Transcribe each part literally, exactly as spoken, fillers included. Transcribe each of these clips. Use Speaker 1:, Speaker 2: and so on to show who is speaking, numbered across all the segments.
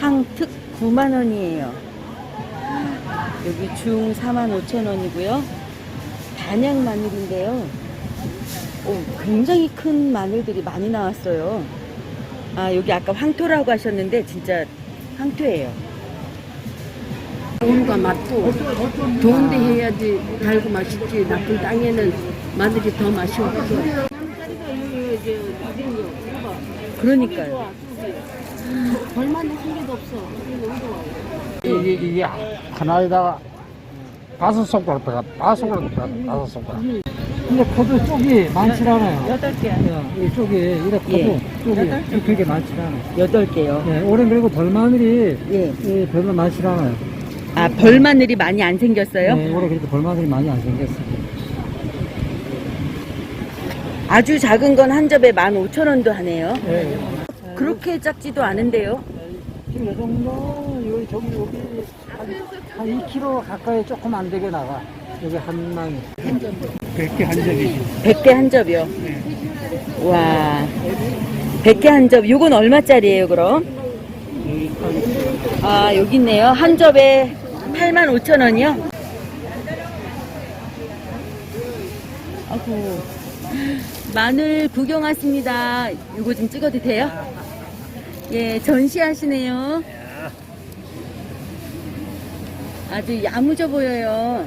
Speaker 1: 상특 구만 원이에요. 여기 중 사만 오천 원이고요. 단양 마늘인데요. 오, 굉장히 큰 마늘들이 많이 나왔어요. 아, 여기 아까 황토라고 하셨는데 진짜 황토예요.
Speaker 2: 온과 맛도 좋은데 해야지 달고 맛있지. 나쁜 땅에는 마늘이 더 맛이 없어.
Speaker 1: 그러니까요.
Speaker 2: 벌마늘 한 개도 없어.
Speaker 3: 이게, 이게 하나에다가 다섯 손가락 들어가, 다섯 손가락 들어가, 다섯 손가락. 근데 코드 쪽이 많지 않아요.
Speaker 1: 여덟 개요.
Speaker 3: 예, 이 쪽이, 이래 코드
Speaker 1: 예.
Speaker 3: 쪽이 그렇게 많지 않아요.
Speaker 1: 여덟 개요.
Speaker 3: 예, 올해 그리고 벌마늘이
Speaker 1: 예.
Speaker 3: 예, 별로 많지 않아요.
Speaker 1: 아, 벌마늘이 많이 안 생겼어요?
Speaker 3: 예, 올해 그렇게 벌마늘이 많이 안 생겼어요.
Speaker 1: 아주 작은 건 한 접에 만 오천 원도 하네요.
Speaker 3: 예, 예.
Speaker 1: 그렇게 작지도 않은데요.
Speaker 3: 지금 이 정도, 여기, 저기, 여기, 한, 한 이 킬로그램 가까이 조금 안 되게 나가. 여기 한 망이. 백 개 한 접이지.
Speaker 1: 백 개 한 접이요. 와. 백 개 한 접. 요건 얼마짜리예요, 그럼? 아, 여기 있네요. 한 접에 팔만 오천 원이요? 아이고. 마늘 구경 왔습니다. 이거 좀 찍어도 돼요? 예, 전시하시네요. 아주 야무져 보여요.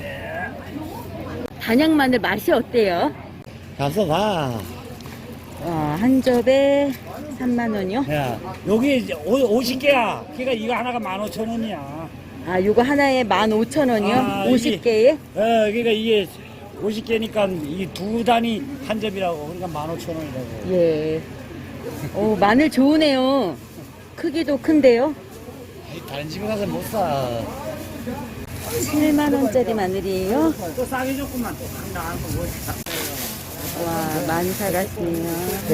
Speaker 1: 단양 마늘 맛이 어때요?
Speaker 4: 가서 봐.
Speaker 1: 와, 한 접에 삼만 원이요?
Speaker 4: 야, 여기 이제 오- 오십 개야. 그러니까 이거 하나가 만 오천 원이야.
Speaker 1: 아, 요거 하나에 만 오천 원이요?
Speaker 4: 아,
Speaker 1: 오십
Speaker 4: 이게-
Speaker 1: 개에?
Speaker 4: 어, 그러니까 이게 오십 개니까 이 두 단위 한 접이라고. 그러니까 만 오천 원이라고.
Speaker 1: 예. 오, 마늘 좋으네요. 크기도 큰데요?
Speaker 4: 다른 집에 가서 못 사.
Speaker 1: 칠만 원짜리 마늘이에요?
Speaker 4: 또 싸게 줬구만. 또 나한 거 뭐.
Speaker 1: 와, 많이 사갔네요.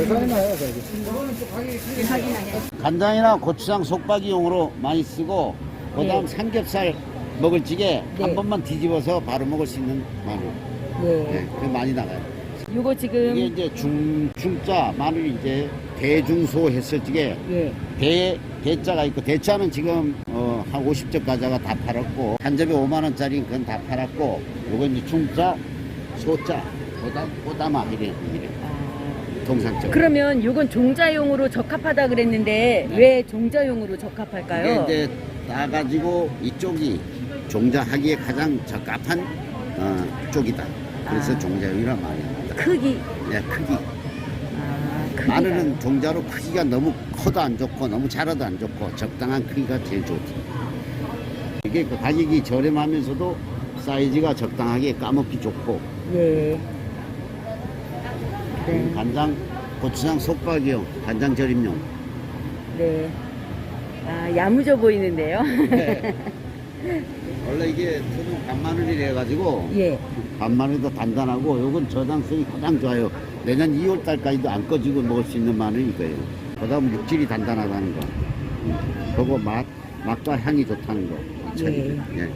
Speaker 5: 간장이나 고추장 속박이용으로 많이 쓰고 그다음
Speaker 1: 네.
Speaker 5: 삼겹살 먹을 찌개
Speaker 1: 네.
Speaker 5: 한 번만 뒤집어서 바로 먹을 수 있는 마늘.
Speaker 1: 네.
Speaker 5: 네, 그 많이 나가요.
Speaker 1: 요거
Speaker 5: 이게
Speaker 1: 지금,
Speaker 5: 이제 중 중자 마늘이 이제 대중소 했을 적에
Speaker 1: 예.
Speaker 5: 대 대자가 있고 대자는 지금 어, 한 오십 접 가자가 다 팔았고 한 접에 오만 원짜리 그건 다 팔았고 요거 이제 중자 소자 보다 보다마 이래 이래
Speaker 1: 아,
Speaker 5: 통상적.
Speaker 1: 그러면 요건 종자용으로 적합하다 그랬는데,
Speaker 5: 네.
Speaker 1: 왜 종자용으로 적합할까요?
Speaker 5: 이게 이제 따가지고 이쪽이 종자하기에 가장 적합한 어, 쪽이다. 그래서
Speaker 1: 아.
Speaker 5: 종자용이란 말이야.
Speaker 1: 크기.
Speaker 5: 네, 크기.
Speaker 1: 아, 크기가.
Speaker 5: 마늘은 종자로 크기가 너무 커도 안 좋고 너무 작아도 안 좋고 적당한 크기가 제일 좋지. 이게 그 가격이 저렴하면서도 사이즈가 적당하게 까먹기 좋고
Speaker 1: 예. 네.
Speaker 5: 간장, 고추장 속박이용, 간장 절임용.
Speaker 1: 네. 아, 야무져 보이는데요?
Speaker 5: 네. 원래 이게 토종 간마늘이래 가지고
Speaker 1: 예.
Speaker 5: 간마늘도 단단하고 요건 저장성이 가장 좋아요. 내년 이월 달까지도 안 꺼지고 먹을 수 있는 마늘이 이거예요. 그다음 육질이 단단하다는 거. 음. 그리고 맛, 맛과 향이 좋다는 거.
Speaker 1: 예.
Speaker 5: 예.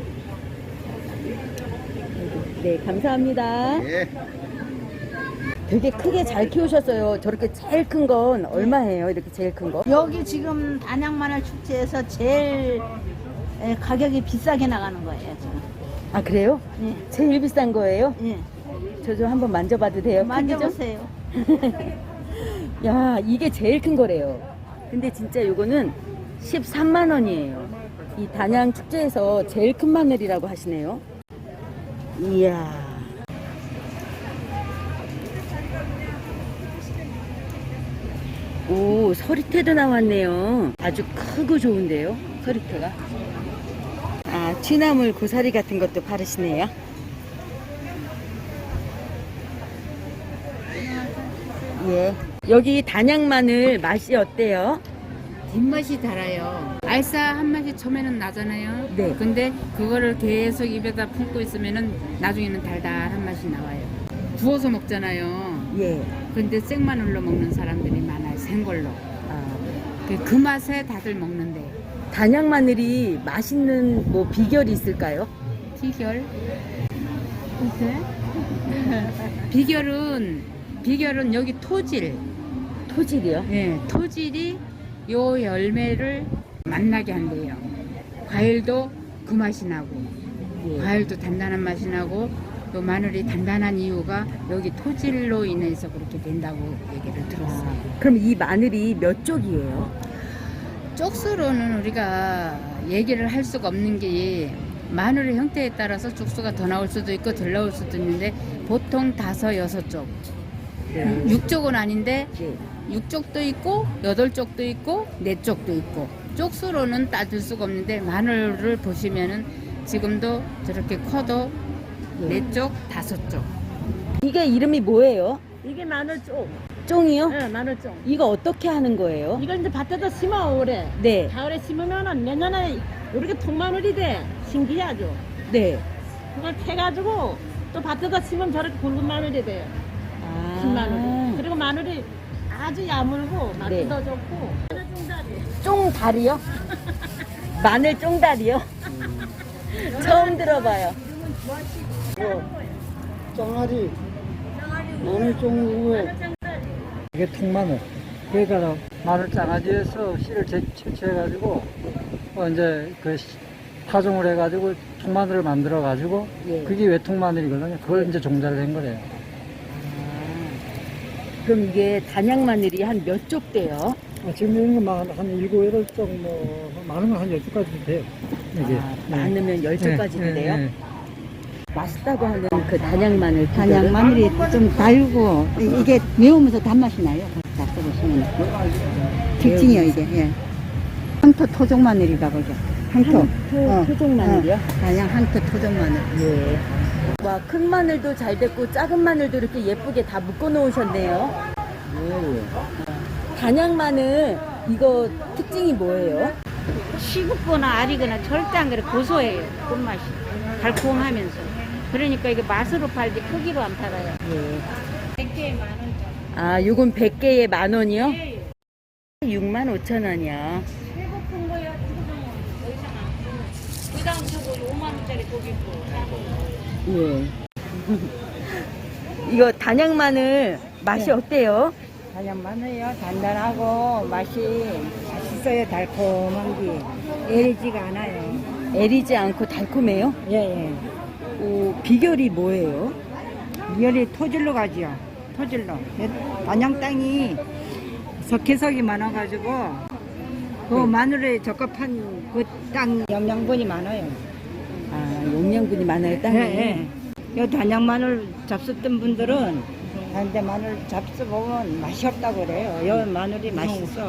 Speaker 1: 네, 감사합니다.
Speaker 5: 예.
Speaker 1: 되게 크게 잘 키우셨어요. 저렇게 제일 큰 건 얼마예요? 이렇게 제일 큰 거?
Speaker 6: 여기 지금 단양마늘 축제에서 제일 에, 가격이 비싸게 나가는 거예요 지금.
Speaker 1: 아, 그래요?
Speaker 6: 예,
Speaker 1: 제일 비싼 거예요?
Speaker 6: 예.
Speaker 1: 저 좀 한번 만져봐도 돼요?
Speaker 6: 만져보세요.
Speaker 1: 크기 좀? 야, 이게 제일 큰 거래요. 근데 진짜 요거는 십삼만 원이에요. 이 단양 축제에서 제일 큰 마늘이라고 하시네요. 이야. 오, 서리태도 나왔네요. 아주 크고 좋은데요, 서리태가. 아, 취나물 고사리 같은 것도 바르시네요. 예. 여기 단양 마늘 맛이 어때요?
Speaker 7: 뒷맛이 달아요. 알싸 한 맛이 처음에는 나잖아요.
Speaker 1: 네.
Speaker 7: 근데 그거를 계속 입에다 품고 있으면은 나중에는 달달한 맛이 나와요. 구워서 먹잖아요.
Speaker 1: 예.
Speaker 7: 근데 생마늘로 먹는 사람들이 많아요. 생걸로.
Speaker 1: 아,
Speaker 7: 그, 그 맛에 다들 먹는데.
Speaker 1: 단양 마늘이 맛있는 뭐 비결이 있을까요?
Speaker 7: 비결? 글쎄? 비결은 비결은 여기 토질.
Speaker 1: 토질이요?
Speaker 7: 예, 토질이 요 열매를 맛나게 한대요. 과일도 그 맛이 나고,
Speaker 1: 예.
Speaker 7: 과일도 단단한 맛이 나고, 또 마늘이 단단한 이유가 여기 토질로 인해서 그렇게 된다고 얘기를 들었어요.
Speaker 1: 아, 그럼 이 마늘이 몇 쪽이에요?
Speaker 7: 쪽수로는 우리가 얘기를 할 수가 없는 게 마늘의 형태에 따라서 쪽수가 더 나올 수도 있고 덜 나올 수도 있는데 보통 다섯, 여섯 쪽.
Speaker 1: 네.
Speaker 7: 육 쪽은 아닌데
Speaker 1: 네.
Speaker 7: 육 쪽도 있고 여덟 쪽도 있고 네 쪽도 있고 쪽수로는 따질 수가 없는데 마늘을 보시면은 지금도 저렇게 커도
Speaker 1: 네.
Speaker 7: 네 쪽, 다섯 쪽.
Speaker 1: 이게 이름이 뭐예요?
Speaker 6: 이게 마늘쫑.
Speaker 1: 쫑이요?
Speaker 6: 네, 마늘쫑.
Speaker 1: 이거 어떻게 하는 거예요?
Speaker 6: 이걸 이제 밭에다 심어 올해.
Speaker 1: 네.
Speaker 6: 가을에 심으면은 내년에 이렇게 통마늘이 돼. 신기하죠.
Speaker 1: 네.
Speaker 6: 그걸 캐가지고 또 밭에다 심으면 저렇게 굵은 마늘이 돼요.
Speaker 1: 아.
Speaker 6: 긴 마늘이. 그리고 마늘이 아주 야물고 맛도
Speaker 1: 네.
Speaker 6: 더 좋고. 마늘 쫑다리.
Speaker 1: 쫑다리요? 마늘 쫑다리요? 처음 들어봐요.
Speaker 3: 쫑아리 마늘 쫑후에 이게 통마늘. 그러니까 마늘 장아지에서 씨를 제- 채취해가지고 어 이제 그 씨- 파종을 해가지고 통마늘을 만들어가지고
Speaker 1: 예.
Speaker 3: 그게 외통마늘이거든요. 그걸 이제 종자를 한 거래요.
Speaker 1: 그럼 이게 단양 마늘이 한 몇 쪽 돼요?
Speaker 3: 아, 지금 이런 거만 한 일곱, 여덟 쪽, 뭐, 많은 건 한 열 쪽까지 돼요. 이게.
Speaker 1: 아,
Speaker 3: 네.
Speaker 1: 많으면 열 쪽까지
Speaker 3: 네,
Speaker 1: 돼요?
Speaker 3: 네, 네.
Speaker 1: 맛있다고 하는 그 단양 마늘
Speaker 8: 단양
Speaker 1: 비결은?
Speaker 8: 마늘이 좀 달고 이게 매우면서 단맛이 나요. 잡숴보시면 특징이에요 이게. 예. 항토 토종 마늘이라고 그러죠. 항토. 어,
Speaker 1: 토종 마늘이요?
Speaker 8: 어, 단양 항토 토종 마늘.
Speaker 1: 예. 와, 큰 마늘도 잘 됐고 작은 마늘도 이렇게 예쁘게 다 묶어 놓으셨네요. 단양 마늘 이거 특징이 뭐예요?
Speaker 9: 시급거나 알이거나 절대 안 그래. 고소해요. 끝맛이. 달콤하면서. 그러니까 이게 맛으로 팔지 크기로 안 팔아요.
Speaker 1: 예.
Speaker 9: 백 개에 만 원.
Speaker 1: 아, 요건 백 개에 만 원이요? 육만 오천 원이요.
Speaker 9: 최고 큰 거야. 더 이상 안 줘. 그 다음 저거 오만 원짜리 고기 있고.
Speaker 1: 예. 이거 단양 마늘 맛이 어때요?
Speaker 8: 단양 마늘이요. 단단하고 맛이 맛있어요. 달콤한 게 애리지가 않아요.
Speaker 1: 애리지 않고 달콤해요?
Speaker 8: 예, 예.
Speaker 1: 오, 비결이 뭐예요?
Speaker 8: 열이 토질로 가지요. 토질로. 단양 땅이 석회석이 많아가지고 그 마늘에 적합한 그 땅 영양분이 많아요.
Speaker 1: 아, 영양분이 많아요, 땅에.
Speaker 8: 예, 예. 요 단양 마늘 잡수던 분들은 근데 마늘 잡숴보면 맛이 없다고 그래요. 요 마늘이 맛있어.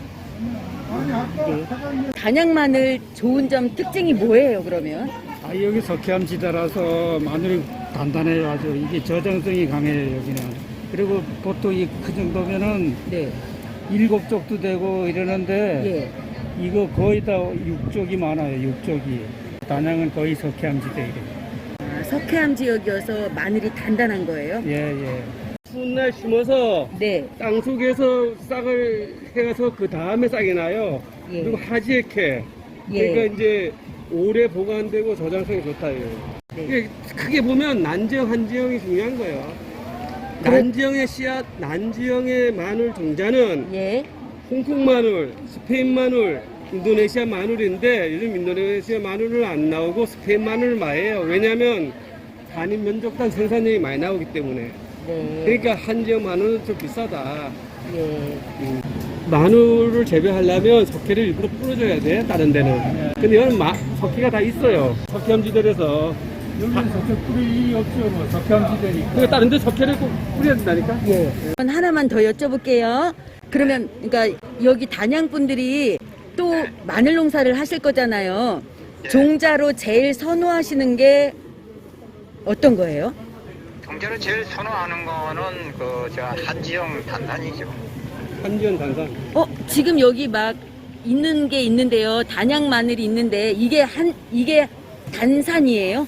Speaker 1: 네. 단양 마늘 좋은 점 특징이 뭐예요, 그러면?
Speaker 3: 아, 여기 석회암 지대라서 마늘이 단단해요. 아주 이게 저장성이 강해요, 여기는. 그리고 보통 이 그 정도면은
Speaker 1: 네.
Speaker 3: 일곱 쪽도 되고 이러는데
Speaker 1: 예.
Speaker 3: 이거 거의 다 육쪽이 많아요. 육쪽이. 단양은 거의 석회암 지대이래요.
Speaker 1: 아, 석회암 지역이어서 마늘이 단단한 거예요?
Speaker 3: 예, 예.
Speaker 10: 추운 날 심어서
Speaker 1: 네.
Speaker 10: 땅 속에서 싹을 해가서 그 다음에 싹이 나요.
Speaker 1: 예.
Speaker 10: 그리고 하지에 캐.
Speaker 1: 예.
Speaker 10: 그러니까 이제 오래 보관되고 저장성이 좋다요.
Speaker 1: 네.
Speaker 10: 이게 크게 보면 난지형, 한지형이 중요한 거예요.
Speaker 1: 그래-
Speaker 10: 난지형의 씨앗, 난지형의 마늘 종자는
Speaker 1: 예.
Speaker 10: 홍콩 마늘, 스페인 마늘, 인도네시아 마늘인데 요즘 인도네시아 마늘은 안 나오고 스페인 마늘 많아요. 왜냐하면 단위 면적당 생산량이 많이 나오기 때문에.
Speaker 1: 네.
Speaker 10: 그러니까 한지형 마늘은 좀 비싸다.
Speaker 1: 예.
Speaker 10: 마늘을 재배하려면 석회를 일부러 뿌려줘야 돼, 다른 데는. 근데 여기는 마, 석회가 다 있어요. 석회암지대라서.
Speaker 3: 여기는 석회 뿌릴 일이 없죠. 뭐 석회암 지대니까.
Speaker 10: 그러니까 다른 데 석회를 꼭 뿌려야 된다니까?
Speaker 1: 예. 하나만 더 여쭤볼게요. 그러면, 그러니까 여기 단양 분들이 또 마늘 농사를 하실 거잖아요. 종자로 제일 선호하시는 게 어떤 거예요?
Speaker 11: 종자로 제일 선호하는 거는 그 저 한지형 단산이죠.
Speaker 10: 한지형 단산.
Speaker 1: 어, 지금 여기 막 있는 게 있는데요. 단양 마늘이 있는데 이게 한 이게 단산이에요?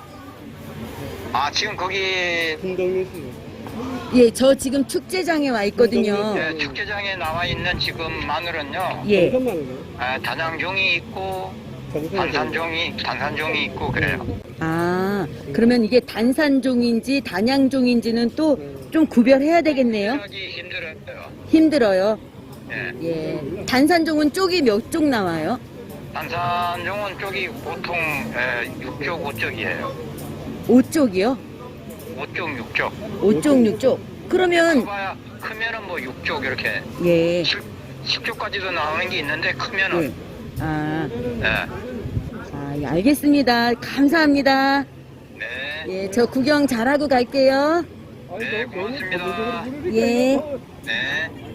Speaker 11: 아 지금 거기
Speaker 10: 풍덩뉴스.
Speaker 1: 예, 저 지금 축제장에 와 있거든요.
Speaker 11: 네, 축제장에 나와 있는 지금 마늘은요.
Speaker 1: 예.
Speaker 10: 정선 마늘.
Speaker 11: 아, 단양종이 있고
Speaker 10: 정선
Speaker 11: 단산종이 단산종이 있고 그래요.
Speaker 1: 아, 그러면 이게 단산종인지 단양종인지는 또 좀 구별해야 되겠네요.
Speaker 11: 하기 힘들어요.
Speaker 1: 힘들어요.
Speaker 11: 예.
Speaker 1: 예. 단산종은 쪽이 몇 쪽 나와요?
Speaker 11: 단산종은 쪽이 보통 에, 육 쪽, 오 쪽이에요.
Speaker 1: 오 쪽이요?
Speaker 11: 오 쪽, 육 쪽.
Speaker 1: 오 쪽, 육 쪽. 그러면
Speaker 11: 커봐야 크면은 뭐 육 쪽 이렇게
Speaker 1: 예.
Speaker 11: 십 쪽까지도 나오는 게 있는데 크면은
Speaker 1: 예. 아,
Speaker 11: 예.
Speaker 1: 아, 예, 알겠습니다. 감사합니다.
Speaker 11: 네.
Speaker 1: 예, 저 구경 잘하고 갈게요.
Speaker 11: 네, 고맙습니다.
Speaker 1: 예.
Speaker 11: 네.